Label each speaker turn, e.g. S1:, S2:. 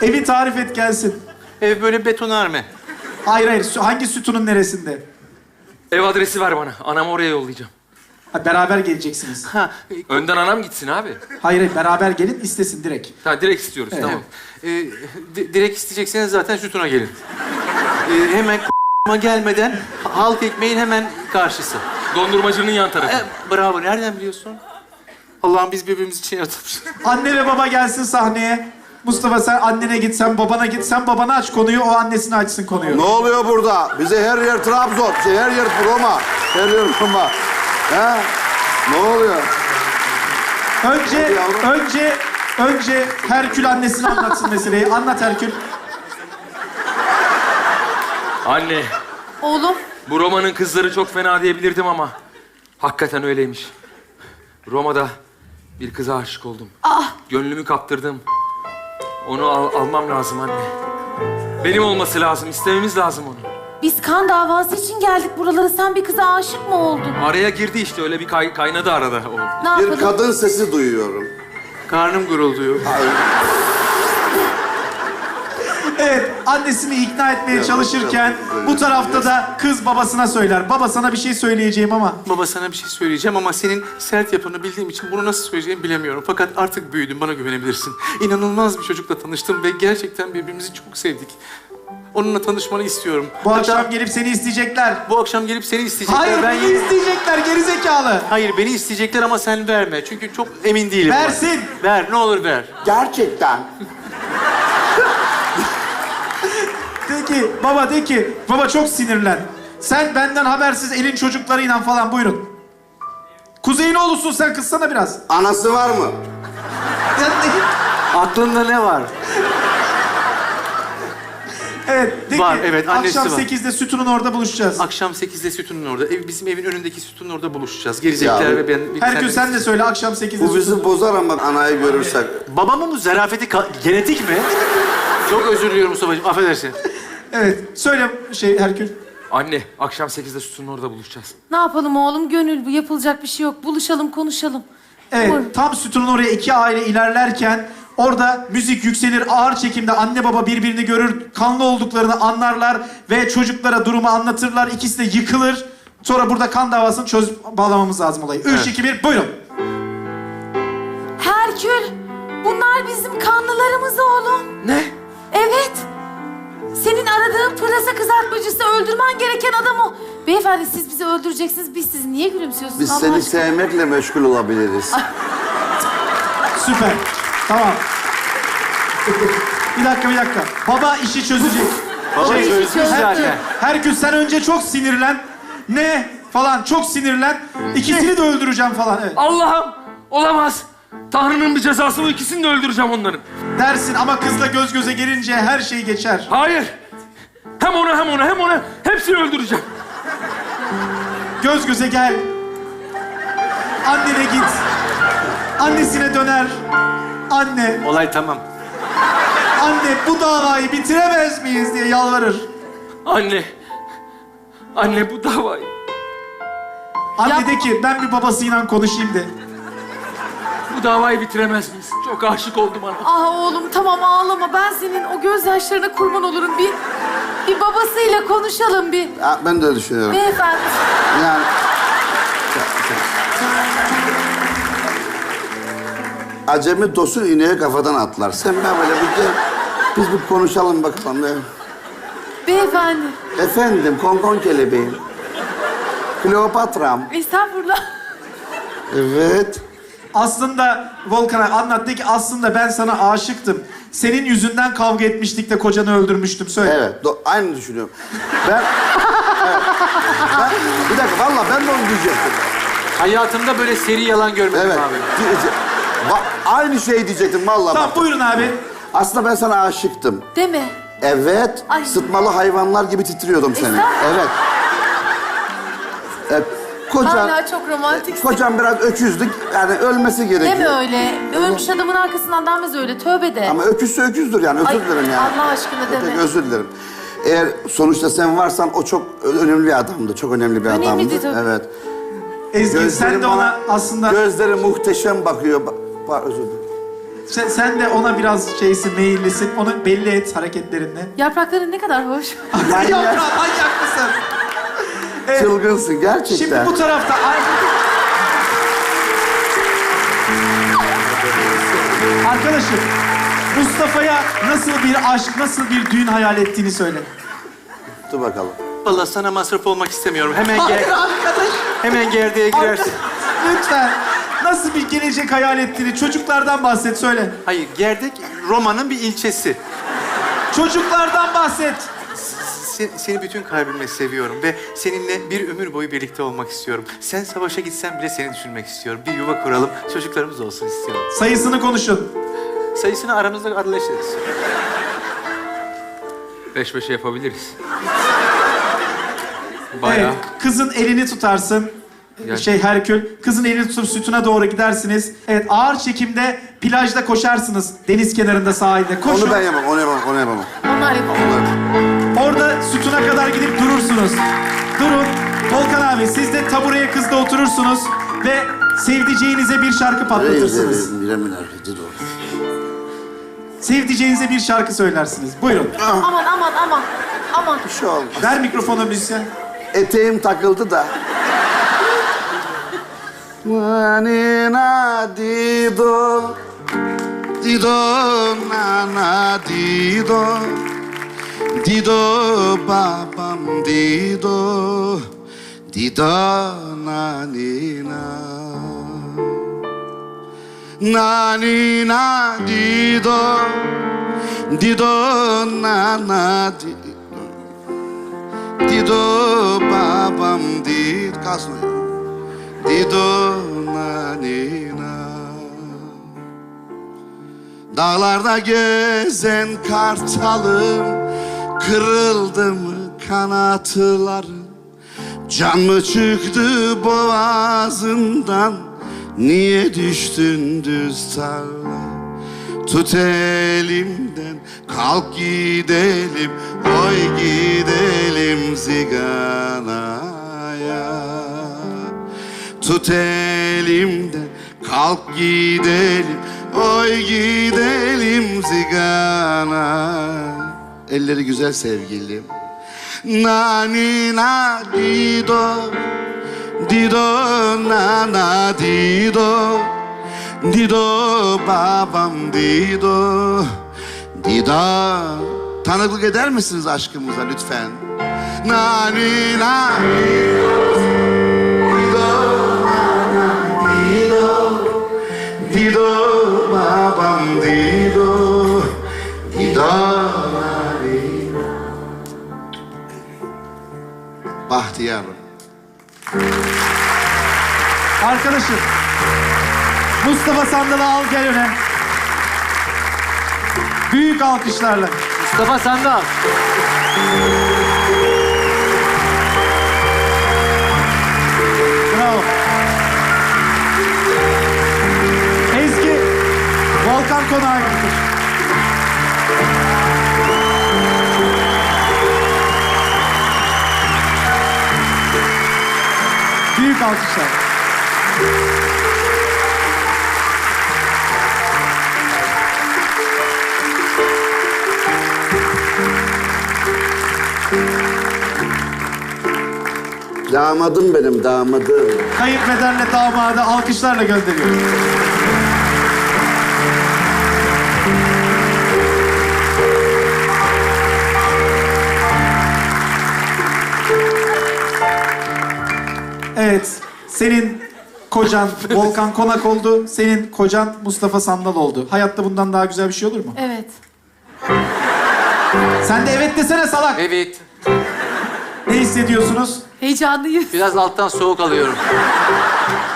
S1: Evi tarif et gelsin.
S2: Ev böyle betonarme.
S1: Hayır hayır. Hangi sütunun neresinde?
S3: Ev adresi ver bana. Anamı oraya yollayacağım.
S1: Ha, beraber geleceksiniz.
S2: Ha,
S3: Önden anam gitsin abi.
S1: Hayır hayır. Beraber gelin istesin direkt.
S3: Ha, direkt istiyoruz.
S1: Evet.
S3: Tamam.
S2: direkt isteyecekseniz zaten sütuna gelin. Hemen gelmeden halk ekmeğin hemen karşısı.
S3: Dondurmacının yan tarafı.
S2: Bravo. Nereden biliyorsun? Allah'ım biz birbirimiz için yaratılmışız.
S1: Anne ve baba gelsin sahneye. Mustafa sen annene git, sen babana git. Sen babana aç konuyu, o annesine açsın konuyu.
S4: Ne oluyor burada? Bize her yer Trabzon, her yer Roma. Her yer Roma. He? Ne oluyor?
S1: Önce Herkül annesine anlatsın meseleyi. Anlat Herkül.
S3: Anne,
S5: Oğlum.
S3: bu Roma'nın kızları çok fena diyebilirdim ama hakikaten öyleymiş. Roma'da bir kıza aşık oldum. Gönlümü kaptırdım. Onu almam lazım anne. Benim olması lazım, istememiz lazım onu.
S5: Biz kan davası için geldik buralara. Sen bir kıza aşık mı oldun?
S3: Araya girdi işte, öyle bir kaynadı arada o.
S5: Ne
S4: Bir
S5: yapalım?
S4: kadın sesi duyuyorum.
S2: Karnım gurulduyor.
S1: Evet, annesini ikna etmeye çalışırken bu tarafta da kız babasına söyler. Baba sana bir şey söyleyeceğim ama.
S2: Baba sana bir şey söyleyeceğim ama senin sert yapını bildiğim için bunu nasıl söyleyeceğimi bilemiyorum. Fakat artık büyüdüm, bana güvenebilirsin. İnanılmaz bir çocukla tanıştım ve gerçekten birbirimizi çok sevdik. Onunla tanışmanı istiyorum.
S1: Bu
S2: Hatta
S1: akşam gelip seni isteyecekler.
S2: bu akşam gelip seni isteyecekler.
S1: Hayır, beni isteyecekler gerizekalı.
S2: Hayır, beni isteyecekler ama sen verme. Çünkü çok emin değilim.
S1: Versin.
S2: Ver, ne olur ver.
S4: Gerçekten.
S1: De ki, baba çok sinirlen. Sen benden habersiz elin çocuklarıyla falan buyurun. Kuzey'in oğlusun sen, kızsana biraz.
S4: Anası var mı?
S2: Aklında ne var?
S1: Evet, de
S2: Var,
S1: ki,
S2: evet, annesi
S1: akşam
S2: var.
S1: 8'de sütunun orada buluşacağız.
S2: Akşam 8'de sütunun orada. Bizim evin önündeki sütunun orada buluşacağız. Gerizekalılar
S4: Ya,
S2: ve ben...
S1: Herkül sen de söyle, akşam 8'de
S4: Bu bizi bozar ama anayı görürsek.
S2: Babamın bu zarafeti genetik mi? Çok özür diliyorum Mustafa'cığım, affedersin.
S1: Evet, söyle Herkül.
S3: Anne, akşam 8'de sütunun orada buluşacağız.
S5: Ne yapalım oğlum? Gönül bu. Yapılacak bir şey yok. Buluşalım, konuşalım.
S1: Evet,
S5: Buyurun.
S1: tam sütunun oraya iki aile ilerlerken orada müzik yükselir, ağır çekimde anne baba birbirini görür, kanlı olduklarını anlarlar ve çocuklara durumu anlatırlar. İkisi de yıkılır. Sonra burada kan davasını çözüp bağlamamız lazım olayı. 3, 2, 1, buyurun.
S5: Herkül, bunlar bizim kanlılarımız oğlum.
S3: Ne?
S5: Evet. Senin aradığın pırasa kızartmacısı, öldürmen gereken adam o. Beyefendi siz bizi öldüreceksiniz. Biz sizi niye gülümsüyorsunuz?
S4: Biz
S5: Allah
S4: seni
S5: aşkına?
S4: sevmekle meşgul olabiliriz.
S1: Süper. Tamam. Bir dakika. Baba işi çözecek.
S2: Baba
S5: işi
S2: çözmüş
S5: çözdü.
S2: zaten.
S1: Herkül sen önce çok sinirlen. Ne? Falan çok sinirlen. İkisini de öldüreceğim falan. Evet.
S3: Allah'ım! Olamaz! Tanrı'nın bir cezası, bu ikisini de öldüreceğim onların.
S1: Dersin ama kızla göz göze gelince her şey geçer.
S3: Hayır! Hem onu, hepsini öldüreceğim.
S1: Göz göze gel. Annene git. Annesine döner. Anne,
S2: Olay tamam.
S1: anne bu davayı bitiremez miyiz diye yalvarır.
S3: Anne bu davayı.
S1: Anne de ki ben bir babasıyla konuşayım de.
S3: Bu davayı bitiremez miyiz? Çok aşık oldum ona.
S5: Ah oğlum tamam ağlama. Ben senin o gözyaşlarına kurban olurum. Bir babasıyla konuşalım bir.
S4: Ya, ben de öyle düşünüyorum.
S5: Beyefendi.
S4: Yani... Acemi dosun ineği kafadan atlar. Sen ben böyle bir gel. Biz bir konuşalım bakalım.
S5: Beyefendi.
S4: Efendim, konkon kelebeğim. Kleopatram.
S5: Estağfurullah.
S4: Evet.
S1: Aslında Volkan'a anlat de ki aslında ben sana aşıktım. Senin yüzünden kavga etmiştik de kocanı öldürmüştüm. Söyle.
S4: Evet, aynı düşünüyorum. Evet. Bir dakika, vallahi ben de onu diyecektim.
S2: Hayatımda böyle seri yalan görmedim
S4: Evet.
S2: abi.
S4: Aynı şey diyecektim vallahi.
S1: Tamam
S4: bak.
S1: buyurun abi.
S4: Aslında ben sana aşıktım.
S5: Değil mi?
S4: Evet,
S5: Ay.
S4: sıtmalı hayvanlar gibi titriyordum seni.
S5: Estağfurullah.
S4: Evet. Kocan,
S5: Hala çok romantiksin.
S4: kocan biraz öküzdük. Yani ölmesi gerekiyor.
S5: Deme öyle. Ölmüş adamın arkasından denmez öyle. Tövbe de.
S4: Ama öküzse öküzdür yani, özür
S5: Ay,
S4: dilerim yani.
S5: Allah aşkına deme.
S4: Peki, özür dilerim. Eğer sonuçta sen varsan o çok önemli bir adamdı. Çok önemli bir
S5: Önemliydi
S4: adamdı.
S5: tabii.
S4: Evet.
S1: Ezgi sen de
S4: bana-
S1: ona aslında...
S4: Gözleri muhteşem bakıyor. Özür dilerim.
S1: Sen de ona biraz şeysin, meyillisin. Onu belli et hareketlerinle.
S5: Yaprakların ne kadar hoş.
S1: Yaprağı manyak mısın?
S4: Çılgınsın gerçekten.
S1: Şimdi bu tarafta... Arkadaşım, Mustafa'ya nasıl bir aşk, nasıl bir düğün hayal ettiğini söyle.
S4: Dur bakalım.
S2: Vallahi sana masraf olmak istemiyorum. Hemen
S1: Hayır
S2: gel.
S1: arkadaş.
S2: Hemen gerdeğe girersin.
S1: Lütfen. Nasıl bir gelecek hayal ettiğini, çocuklardan bahset, söyle.
S2: Hayır, Gerdek Roma'nın bir ilçesi.
S1: Çocuklardan bahset.
S2: Seni bütün kalbimle seviyorum ve seninle bir ömür boyu birlikte olmak istiyorum. Sen savaşa gitsen bile seni düşünmek istiyorum. Bir yuva kuralım, çocuklarımız olsun istiyorum.
S1: Sayısını konuşun.
S2: Sayısını aramızda arılaşırız.
S3: 5-5 yapabiliriz. Bayağı.
S1: Evet, kızın elini tutarsın.
S3: Yani-
S1: Herkül. Kızın elini tutup sütuna doğru gidersiniz. Evet, ağır çekimde plajda koşarsınız. Deniz kenarında, sahilde. Koşun.
S4: Onu ben yapamam, onu yapamam, onu yapamam.
S5: Onlar yapalım.
S1: Orada sütuna kadar gidip durursunuz. Durun. Volkan abi, siz de tabureye kızda oturursunuz ve sevdiceğinize bir şarkı patlatırsınız. Sevdiceğinize bir şarkı söylersiniz. Buyurun.
S5: Aman aman aman. Aman.
S4: Bir şey olmaz.
S1: Ver mikrofonu müzisyen.
S4: Eteğim takıldı da. Nina dido, dido nana dido, dido babam dido, dido nanina, nanina dido, dido nana dido, dido babam dido, kalsın. Dido nanina. Dağlarda gezen kartalım, kırıldı mı kanatlarım? Can mı çıktı boğazından, niye düştün düz tarla? Tut elimden, kalk gidelim, oy gidelim ziganaya. Tut elimden, kalk gidelim, oy gidelim zigana. Elleri güzel sevgilim. Nani na dido, dido nana dido, dido babam dido, dido. Tanıklık eder misiniz aşkımıza lütfen? Nani na dido. Dido babam dido, dido dido. Bahtiyarım.
S1: Arkadaşım, Mustafa Sandal'ı al gel öne. Büyük alkışlarla.
S2: Mustafa Sandal.
S1: Bravo. Ezgi, Volkan Konağı gibidir. Büyük alkışlar.
S4: Damadım benim, damadım.
S1: Kayınpederle damadı alkışlarla gönderiyoruz. Evet, senin kocan Volkan Konak oldu, senin kocan Mustafa Sandal oldu. Hayatta bundan daha güzel bir şey olur mu?
S5: Evet.
S1: Sen de evet desene salak.
S2: Evet.
S1: Ne hissediyorsunuz?
S5: Heyecanlıyız.
S2: Biraz alttan soğuk alıyorum.